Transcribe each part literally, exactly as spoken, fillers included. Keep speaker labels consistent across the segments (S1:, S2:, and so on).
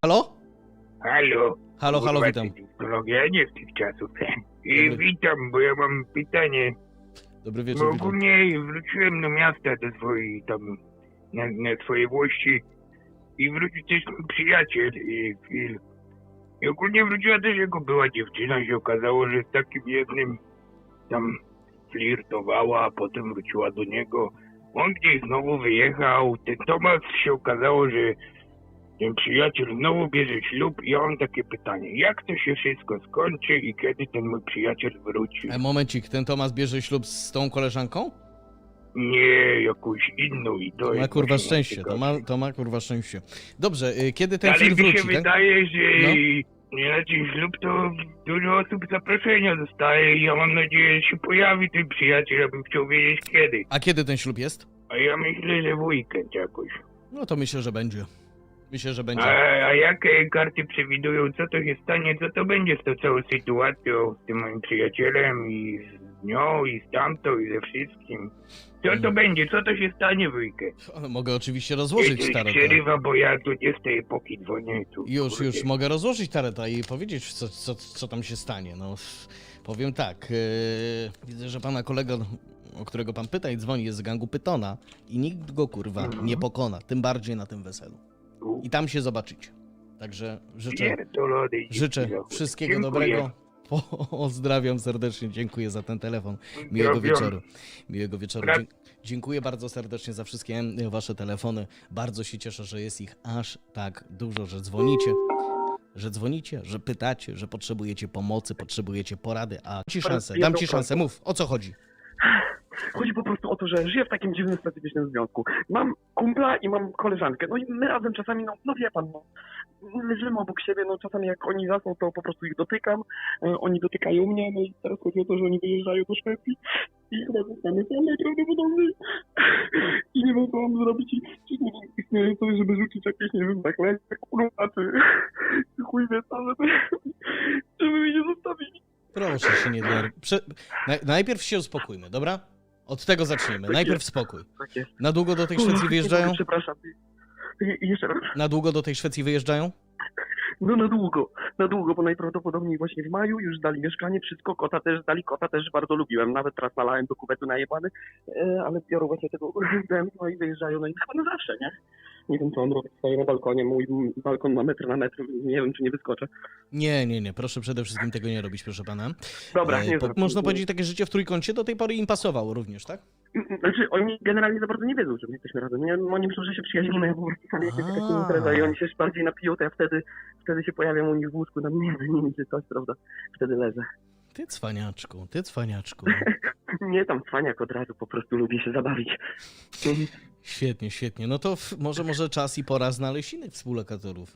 S1: Halo?
S2: Halo.
S1: Halo, halo,
S2: Kurwa,
S1: witam.
S2: technologia nie z tych czasów. I
S1: Dobry.
S2: witam, bo ja mam pytanie.
S1: Dobry
S2: Bo
S1: wieczór, witam.
S2: ogólnie wróciłem do miasta, do swojej tam, na, na swojej włości i wrócił też mój przyjaciel i Phil. I ogólnie wróciła też jego była dziewczyna i się okazało, że z takim jednym tam flirtowała, a potem wróciła do niego. On gdzieś znowu wyjechał, ten Tomasz się okazało, że ten przyjaciel znowu bierze ślub i ja mam takie pytanie, jak to się wszystko skończy i kiedy ten mój przyjaciel wróci?
S1: E, momencik, ten Tomasz bierze ślub z tą koleżanką?
S2: Nie, jakąś inną i to
S1: To ma
S2: jest
S1: kurwa
S2: właśnie
S1: szczęście, to ma, to ma kurwa szczęście. Dobrze, y, kiedy ten
S2: Ale
S1: film
S2: mi się
S1: wróci, tak?
S2: wydaje, że
S1: No.
S2: na ten ślub to dużo osób zaproszenia dostaje i ja mam nadzieję, że się pojawi ten przyjaciel, ja bym chciał wiedzieć kiedy.
S1: A kiedy ten ślub jest?
S2: A ja myślę, że w weekend jakoś.
S1: No to myślę, że będzie. Myślę, że będzie.
S2: A, a jakie karty przewidują, co to się stanie, co to będzie z tą całą sytuacją, z tym moim przyjacielem i z nią i z tamtą i ze wszystkim? Co to
S1: Mm.
S2: będzie, co to się stanie w weekend?
S1: No, mogę oczywiście rozłożyć
S2: Jeśli
S1: taretę.
S2: przerywa, bo ja tu nie z tej epoki dzwonię. Tu,
S1: Już,
S2: kurde.
S1: już mogę rozłożyć taretę i powiedzieć, co, co, co tam się stanie. No, powiem tak, yy, widzę, że pana kolega, o którego pan pyta i dzwoni, jest z gangu Pytona i nikt go kurwa
S2: Mhm.
S1: nie pokona, tym bardziej na tym weselu. I tam się zobaczycie. Także życzę,
S2: Pierdolony
S1: życzę
S2: dziękuję.
S1: wszystkiego
S2: Dziękuję.
S1: dobrego. Pozdrawiam serdecznie, dziękuję za ten telefon. Miłego
S2: Pozdrawiam.
S1: wieczoru. Miłego wieczoru.
S2: Bra-
S1: Dzie- Dziękuję bardzo serdecznie za wszystkie wasze telefony. Bardzo się cieszę, że jest ich aż tak dużo, że dzwonicie. Że dzwonicie, że pytacie, że potrzebujecie pomocy, potrzebujecie porady, a dam ci szansę, dam ci szansę, mów, o co chodzi?
S3: Chodzi po prostu o to, że żyję w takim dziwnym, specyficznym związku. Mam kumpla i mam koleżankę. No i my razem czasami, no, no wie pan, no, leżymy obok siebie, no czasami jak oni zasną, to po prostu ich dotykam, e, oni dotykają mnie, no i teraz chodzi o to, że oni wyjeżdżają do Szwecji i chyba zostanę sam najprawdopodobniej. I nie wiem, co mam zrobić i czy nie wiem, istnieje coś, żeby rzucić jakieś, nie wiem, zaklęcie, kurwa, czy chuj wie co, żeby, żeby mnie nie zostawili.
S1: Proszę się nie denerwować. Prze- naj- najpierw się uspokójmy, dobra? Od tego zaczniemy.
S3: Tak
S1: Najpierw
S3: jest.
S1: spokój.
S3: Tak jest.
S1: Na długo do tej Szwecji
S3: Kurwa,
S1: wyjeżdżają?
S3: Przepraszam. I, i jeszcze raz.
S1: Na długo do tej Szwecji wyjeżdżają?
S3: No na długo, na długo, bo najprawdopodobniej właśnie w maju już dali mieszkanie, wszystko, kota też dali, kota też bardzo lubiłem, nawet teraz nalałem do kubetu najebany, e, ale biorą właśnie tego urządzenia, no i wyjeżdżają, no i chyba na zawsze, nie? Nie wiem, co on robi, stoi na balkonie, mój balkon ma metr na metr, nie wiem, czy nie wyskoczę.
S1: Nie, nie, nie. Proszę przede wszystkim tego nie robić, proszę pana.
S3: Dobra,
S1: E,
S3: nie
S1: po,
S3: wiem.
S1: można powiedzieć, takie życie w trójkącie do tej pory im pasowało również, tak?
S3: Znaczy, oni generalnie za bardzo nie wiedzą, że my jesteśmy razem, nie? Oni myślą, że się przyjaźnimy, ja po prostu sam jak jest
S1: A.
S3: taka impreza i oni się bardziej napiją, to ja wtedy, wtedy się pojawiam u nich w łóżku, tam między nimi czy coś, prawda? Wtedy leżę.
S1: Ty cwaniaczku, ty cwaniaczku.
S3: Nie tam cwaniak od razu, po prostu lubię się zabawić.
S1: Świetnie, świetnie. No to w, może, może czas i pora znaleźć innych współlokatorów.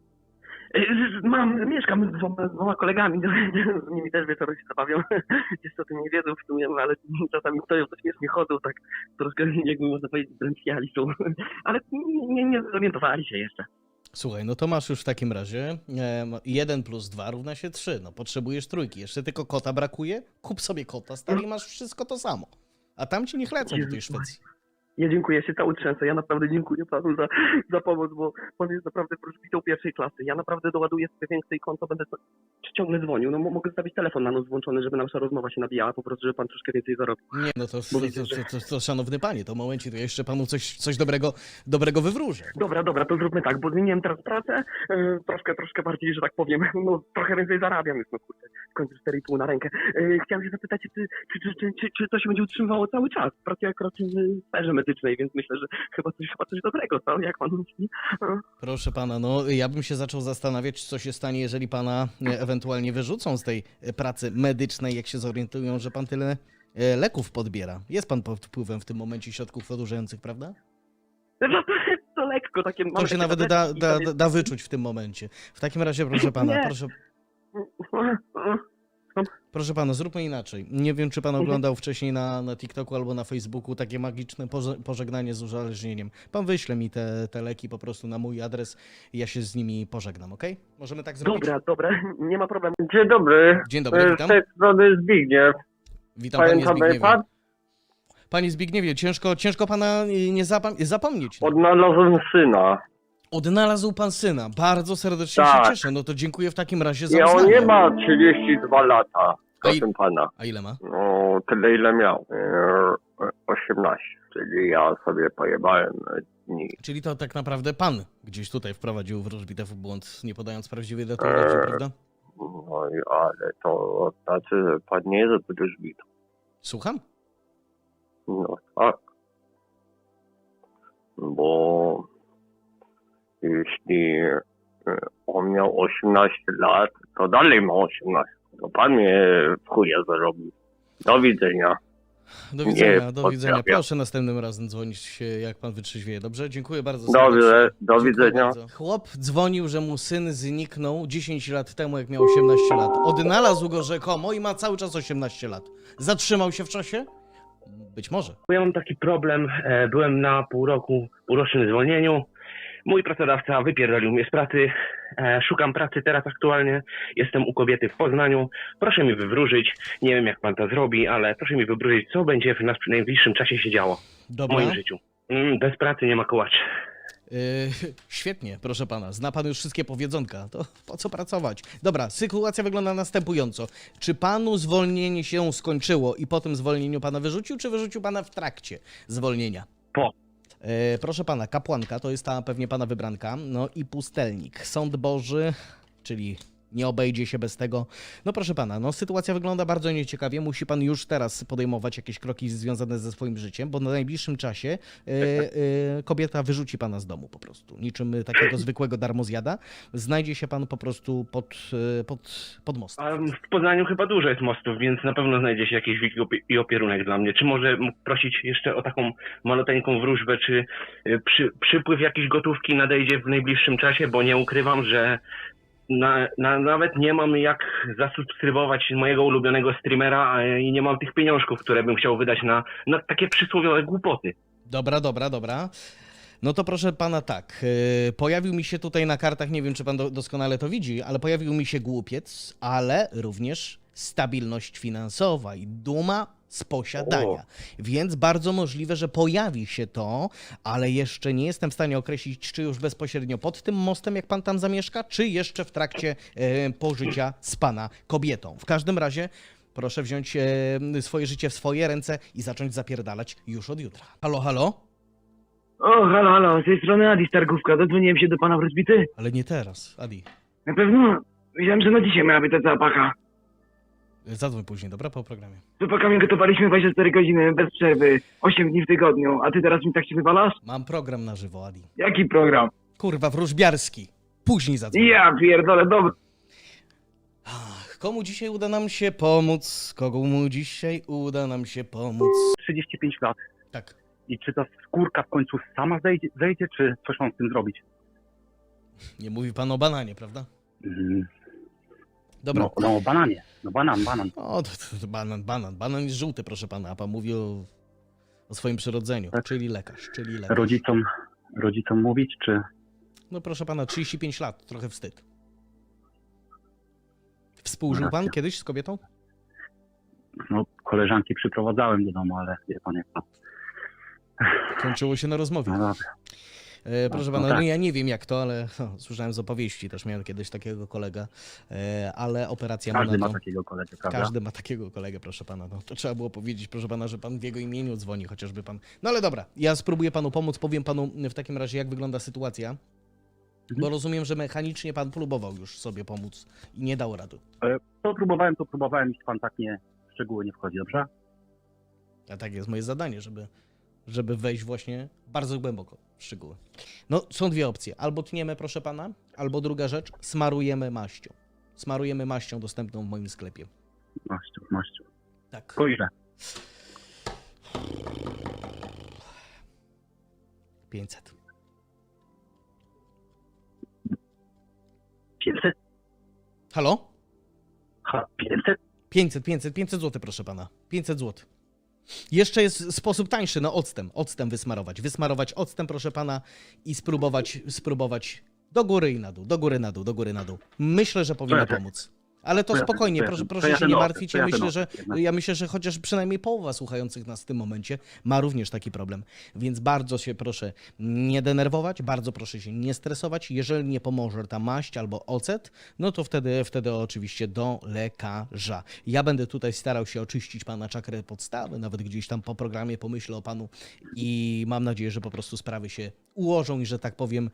S3: Mam, mieszkam z dwoma, z dwoma kolegami, z nimi też wieczorem się zabawiam. Jeszcze o tym nie wiedzą w sumie, ale czasami stoją, to śmiesznie chodzą, tak troszkę jakby można powiedzieć drętwiali są. Ale nie, nie, nie zorientowali się jeszcze.
S1: Słuchaj, no to masz już w takim razie jeden plus dwa równa się trzy. No potrzebujesz trójki. Jeszcze tylko kota brakuje? Kup sobie kota, stary, i masz wszystko to samo. A tam ci niech lecą do tej Szwecji.
S3: Ja dziękuję, ja się cały trzęsę. Ja naprawdę dziękuję panu za, za pomoc, bo pan jest naprawdę wróżbitą pierwszej klasy. Ja naprawdę doładuję sobie więcej konto, będę to, ciągle dzwonił. No mogę zostawić telefon na noc włączony, żeby nasza rozmowa się nabijała, po prostu, żeby pan troszkę więcej zarobił.
S1: Nie, no to, to,
S3: Bo
S1: to,
S3: widzę,
S1: to,
S3: że-
S1: to, to szanowny panie, to momencie, to ja jeszcze panu coś, coś dobrego, dobrego wywróżę.
S3: Dobra, dobra, to zróbmy tak, bo zmieniłem teraz pracę, yy, troszkę, troszkę bardziej, że tak powiem, no trochę więcej zarabiam już, no kurde, w końcu cztery i pół na rękę. Yy, chciałem się zapytać, czy, czy, czy, czy, czy, czy to się będzie utrzymywało cały czas? Pracuję akurat w sferze medycznej, więc myślę, że chyba coś, chyba coś dobrego, co? Jak pan myśli? Yy.
S1: Proszę pana, no ja bym się zaczął zastanawiać, co się stanie, jeżeli pana e, ewentualnie wyrzucą z tej e, pracy medycznej, jak się zorientują, że pan tyle e, leków podbiera. Jest pan pod wpływem w tym momencie środków odurzających, prawda?
S3: No to, to lekko takie...
S1: To
S3: mamy
S1: się
S3: takie
S1: nawet da,
S3: tabletki i
S1: da,
S3: tam jest-
S1: da wyczuć w tym momencie. W takim razie, proszę pana,
S3: Nie.
S1: proszę, proszę pana, zróbmy inaczej. Nie wiem, czy pan
S3: Mhm.
S1: oglądał wcześniej na, na TikToku albo na Facebooku takie magiczne poże- pożegnanie z uzależnieniem. Pan wyśle mi te, te leki po prostu na mój adres i ja się z nimi pożegnam, okej? Możemy tak zrobić?
S3: Dobra, dobra, nie ma problemu.
S4: Dzień dobry,
S1: Dzień dobry,
S4: E,
S1: witam.
S4: z tej strony Zbigniew.
S1: Witam panie
S4: Pamięta mnie
S1: Zbigniewie.
S4: pan?
S1: Panie Zbigniewie, ciężko, ciężko pana y, nie zapam- zapomnieć. No.
S4: Odnalazłem syna.
S1: Odnalazł pan syna. Bardzo serdecznie
S4: Tak.
S1: się cieszę. No to dziękuję w takim razie za
S4: Nie, on
S1: uznanie.
S4: nie ma trzydzieści dwa lata,
S1: A i-
S4: proszę pana.
S1: A ile ma?
S4: No, tyle ile miał. Eee, osiemnaście, czyli ja sobie pojebałem e, dni.
S1: Czyli to tak naprawdę pan gdzieś tutaj wprowadził wróżbitę w błąd, nie podając prawdziwej daty urodzin,
S4: Eee.
S1: prawda?
S4: No i ale to znaczy, że pan nie jest wróżbitą.
S1: Słucham?
S4: No tak. Bo jeśli e, on miał osiemnaście lat, to dalej ma osiemnaście. To pan mnie w chuja zarobił. Do widzenia.
S1: Do
S4: Nie,
S1: widzenia, do
S4: pozdrawiam.
S1: widzenia. Proszę następnym razem dzwonić, jak pan wytrzeźwieje, dobrze? Dziękuję bardzo
S4: Dobrze,
S1: serdecznie.
S4: do
S1: Dziękuję
S4: widzenia.
S1: bardzo. Chłop dzwonił, że mu syn zniknął dziesięć lat temu, jak miał osiemnaście lat. Odnalazł go rzekomo i ma cały czas osiemnaście lat. Zatrzymał się w czasie? Być może.
S5: Ja mam taki problem, e, byłem na pół roku, półrocznym zwolnieniu. Mój pracodawca wypierdolił mnie z pracy. E, szukam pracy teraz aktualnie. Jestem u kobiety w Poznaniu. Proszę mi wywróżyć, nie wiem jak pan to zrobi, ale proszę mi wywróżyć, co będzie w nas- w najbliższym czasie się działo w
S1: Dobra.
S5: moim życiu. Mm, bez pracy nie ma kołaczy.
S1: Yy, świetnie, proszę pana. Zna pan już wszystkie powiedzonka. To po co pracować? Dobra, sytuacja wygląda następująco. Czy panu zwolnienie się skończyło i po tym zwolnieniu pana wyrzucił, czy wyrzucił pana w trakcie zwolnienia?
S5: Po.
S1: E, proszę pana, kapłanka to jest ta pewnie pana wybranka, no i pustelnik. Sąd Boży, czyli nie obejdzie się bez tego. No proszę pana, no sytuacja wygląda bardzo nieciekawie. Musi pan już teraz podejmować jakieś kroki związane ze swoim życiem, bo na najbliższym czasie e, e, kobieta wyrzuci pana z domu po prostu. Niczym takiego zwykłego darmozjada. Znajdzie się pan po prostu pod, e, pod, pod mostem.
S5: A w Poznaniu chyba dużo jest mostów, więc na pewno znajdzie się jakiś wik opie- i opierunek dla mnie. Czy może mógł prosić jeszcze o taką maloteńką wróżbę, czy y, przy, przypływ jakiejś gotówki nadejdzie w najbliższym czasie, bo nie ukrywam, że na, na, nawet nie mam jak zasubskrybować mojego ulubionego streamera a, i nie mam tych pieniążków, które bym chciał wydać na, na takie przysłowiowe głupoty.
S1: Dobra, dobra, dobra. No to proszę pana tak, yy, pojawił mi się tutaj na kartach, nie wiem czy pan do, doskonale to widzi, ale pojawił mi się głupiec, ale również stabilność finansowa i duma z posiadania.
S5: O.
S1: Więc bardzo możliwe, że pojawi się to, ale jeszcze nie jestem w stanie określić, czy już bezpośrednio pod tym mostem, jak pan tam zamieszka, czy jeszcze w trakcie e, pożycia z pana kobietą. W każdym razie proszę wziąć e, swoje życie w swoje ręce i zacząć zapierdalać już od jutra. Halo, halo?
S6: O, halo, halo, z tej strony Adi Stargówka. Dodzwoniłem się do pana wróżbity.
S1: Ale nie teraz, Adi.
S6: Na pewno wiedziałem, że na dzisiaj miała być ta cała paka.
S1: Zadzwoń później, dobra? Po programie.
S6: Z chłopakami gotowaliśmy dwadzieścia cztery godziny bez przerwy, osiem dni w tygodniu, a ty teraz mi tak się wywalasz?
S1: Mam program na żywo, Adi.
S6: Jaki program?
S1: Kurwa, wróżbiarski. Później zadzwoń.
S6: Ja pierdolę, dobra.
S1: Ach, komu dzisiaj uda nam się pomóc? Komu dzisiaj uda nam się pomóc?
S7: trzydzieści pięć lat.
S1: Tak.
S7: I czy ta skórka w końcu sama zejdzie, zejdzie czy coś mam z tym zrobić?
S1: Nie mówi pan o bananie, prawda?
S7: Mm,
S1: Dobra.
S7: No, no bananie. No banan, banan.
S1: O, to, to, to banan, banan. Banan jest żółty, proszę pana, a pan mówi o, o swoim przyrodzeniu.
S7: Tak.
S1: Czyli lekarz, czyli lekarz.
S7: Rodzicom, rodzicom mówić, czy...
S1: No proszę pana, trzydzieści pięć lat, trochę wstyd. Współżył pan
S7: Racja.
S1: kiedyś z kobietą?
S7: No koleżanki przyprowadzałem do domu, ale wie pan jak to.
S1: Kończyło się na rozmowie.
S7: No dobra.
S1: E, proszę
S7: No,
S1: pana,
S7: no
S1: no
S7: tak.
S1: ja nie wiem jak to, ale no, słyszałem z opowieści, też miałem kiedyś takiego kolegę, e, ale operacja
S7: Każdy ma
S1: monetą.
S7: takiego kolegę, prawda?
S1: Każdy ma takiego kolegę, proszę pana. No, to trzeba było powiedzieć, proszę pana, że pan w jego imieniu dzwoni, chociażby pan. No ale dobra, ja spróbuję panu pomóc, powiem panu w takim razie, jak wygląda sytuacja. Bo rozumiem, że mechanicznie pan próbował już sobie pomóc i nie dał rady.
S7: E, To próbowałem, to próbowałem, jeśli pan tak nie w szczegóły nie wchodzi, dobrze?
S1: A tak jest moje zadanie, żeby, żeby wejść właśnie bardzo głęboko w szczegóły. No, są dwie opcje. Albo tniemy, proszę pana, albo druga rzecz, smarujemy maścią. Smarujemy maścią dostępną w moim sklepie.
S7: Maściu, maściu.
S1: Tak.
S7: Po ile?
S1: pięćset.
S7: pięćset?
S1: Halo?
S7: Ha, pięćset?
S1: pięćset, pięćset, pięćset złotych, proszę pana. pięćset złotych. Jeszcze jest sposób tańszy na octem. Octem wysmarować. Wysmarować octem, proszę pana, i spróbować, spróbować do góry i na dół, do góry na dół, do góry na dół. Myślę, że powinno
S7: Tak.
S1: pomóc. Ale to
S7: To ja-
S1: spokojnie,
S7: to ja-
S1: proszę,
S7: to
S1: proszę
S7: ja
S1: się
S7: ten
S1: nie
S7: okres,
S1: martwić.
S7: to
S1: Ja
S7: ja ten
S1: myślę, że,
S7: okres jednak.
S1: ja myślę, że chociaż przynajmniej połowa słuchających nas w tym momencie ma również taki problem. Więc bardzo się proszę nie denerwować, bardzo proszę się nie stresować. Jeżeli nie pomoże ta maść albo ocet, no to wtedy, wtedy oczywiście do lekarza. Ja będę tutaj starał się oczyścić pana czakrę podstawy, nawet gdzieś tam po programie pomyślę o panu i mam nadzieję, że po prostu sprawy się ułożą i że tak powiem,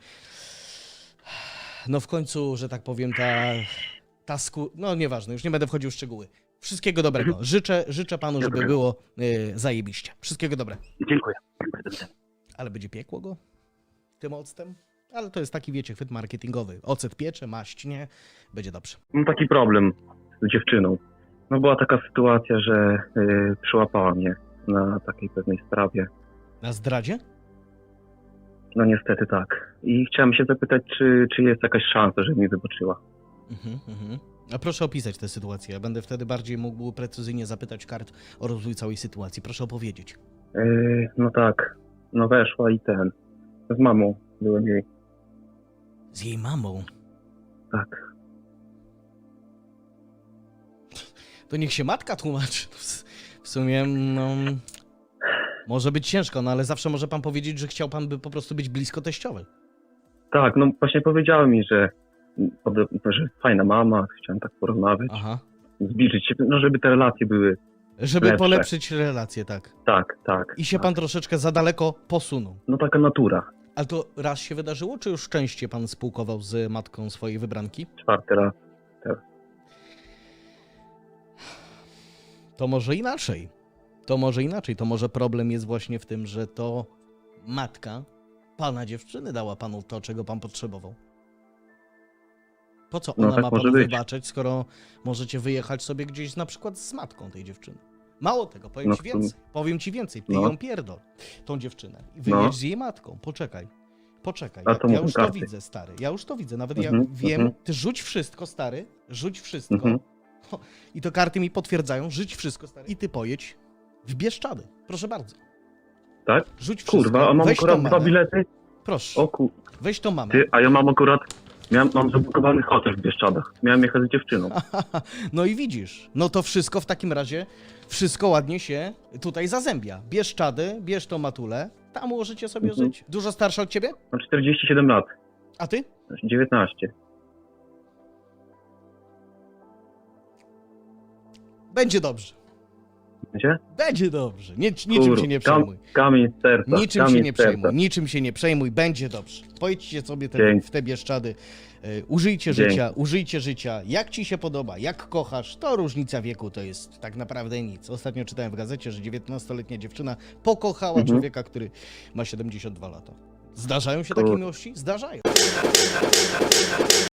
S1: no w końcu, że tak powiem, ta, ta sku... no nieważne, już nie będę wchodził w szczegóły. Wszystkiego dobrego. Życzę, życzę panu, żeby
S7: Dobrego.
S1: było y, zajebiście. Wszystkiego dobrego.
S7: Dziękuję. Dziękuję, do widzenia.
S1: Ale będzie piekło go tym octem? Ale to jest taki, wiecie, chwyt marketingowy. Ocet piecze, maść nie, będzie dobrze.
S8: Mam taki problem z dziewczyną. No była taka sytuacja, że y, przyłapała mnie na takiej pewnej sprawie.
S1: Na zdradzie?
S8: No niestety tak. I chciałem się zapytać, czy, czy jest jakaś szansa, żeby mnie wybaczyła.
S1: Mhm, mhm. A proszę opisać tę sytuację. Ja będę wtedy bardziej mógł precyzyjnie zapytać kart o rozwój całej sytuacji. Proszę opowiedzieć.
S8: Y, no tak, no weszła i ten. Z mamą byłem jej.
S1: Z jej mamą.
S8: Tak.
S1: To niech się matka tłumaczy. W sumie, no... Może być ciężko, no ale zawsze może pan powiedzieć, że chciał pan by po prostu być blisko teściowej.
S8: Tak, no właśnie powiedziała mi, że, że fajna mama, chciałem tak porozmawiać,
S1: Aha.
S8: zbliżyć się, no żeby te relacje były.
S1: Żeby
S8: Lepsze.
S1: polepszyć relacje, tak.
S8: Tak, tak.
S1: I się
S8: tak.
S1: pan troszeczkę za daleko posunął.
S8: No taka natura.
S1: Ale to raz się wydarzyło, czy już częściej pan spółkował z matką swojej wybranki?
S8: Czwarty raz.
S1: To może inaczej. To może inaczej. To może problem jest właśnie w tym, że to matka pana dziewczyny dała panu to, czego pan potrzebował. Po co
S8: No
S1: ona
S8: tak
S1: ma
S8: może
S1: panu
S8: być.
S1: wybaczać, skoro możecie wyjechać sobie gdzieś na przykład z matką tej dziewczyny? Mało tego, powiem
S8: No
S1: ci
S8: w sumie-
S1: więcej. Powiem ci więcej. Ty
S8: No.
S1: ją pierdol, tą dziewczynę. I wyjedź
S8: No.
S1: z jej matką. Poczekaj. Poczekaj.
S8: A
S1: Ja,
S8: to
S1: ja
S8: mówią
S1: już to
S8: karty.
S1: widzę, stary. Ja już to widzę. Nawet
S8: Mhm,
S1: ja wiem.
S8: mhm.
S1: Ty rzuć wszystko, stary. Rzuć wszystko.
S8: Mhm.
S1: I to karty mi potwierdzają. Rzuć wszystko, stary. I ty pojedź w Bieszczady. Proszę bardzo.
S8: Tak?
S1: Rzuć wszystko.
S8: Kurwa, a mam
S1: Weź tą
S8: akurat dwa
S1: mamę.
S8: bilety.
S1: Proszę.
S8: O ku...
S1: Weź tą mamę.
S8: Ty, a ja mam akurat... Miałem, mam zablokowany hotel w Bieszczadach. Miałem jechać z dziewczyną.
S1: No i widzisz, no to wszystko w takim razie, wszystko ładnie się tutaj zazębia. Bierz czady, bierz tą matulę, tam możecie sobie
S8: Mhm.
S1: żyć. Dużo starsza od ciebie?
S8: Mam czterdzieści siedem lat.
S1: A ty?
S8: dziewiętnaście.
S1: Będzie dobrze.
S8: Wiecie?
S1: Będzie dobrze. Nic, niczym
S8: Kur-
S1: się nie
S8: kam-
S1: przejmuj.
S8: Kamień z serca.
S1: Niczym
S8: kamień
S1: się nie
S8: z serca.
S1: przejmuj. Niczym się nie przejmuj. Będzie dobrze. Pojdźcie sobie te,
S8: Dzięki.
S1: w te Bieszczady. Y, użyjcie
S8: Dzięki.
S1: życia, użyjcie życia. Jak ci się podoba, jak kochasz, to różnica wieku to jest tak naprawdę nic. Ostatnio czytałem w gazecie, że dziewiętnastoletnia dziewczyna pokochała
S8: Mhm.
S1: człowieka, który ma siedemdziesiąt dwa lata. Zdarzają się
S8: Kur-
S1: takie miłości? Zdarzają.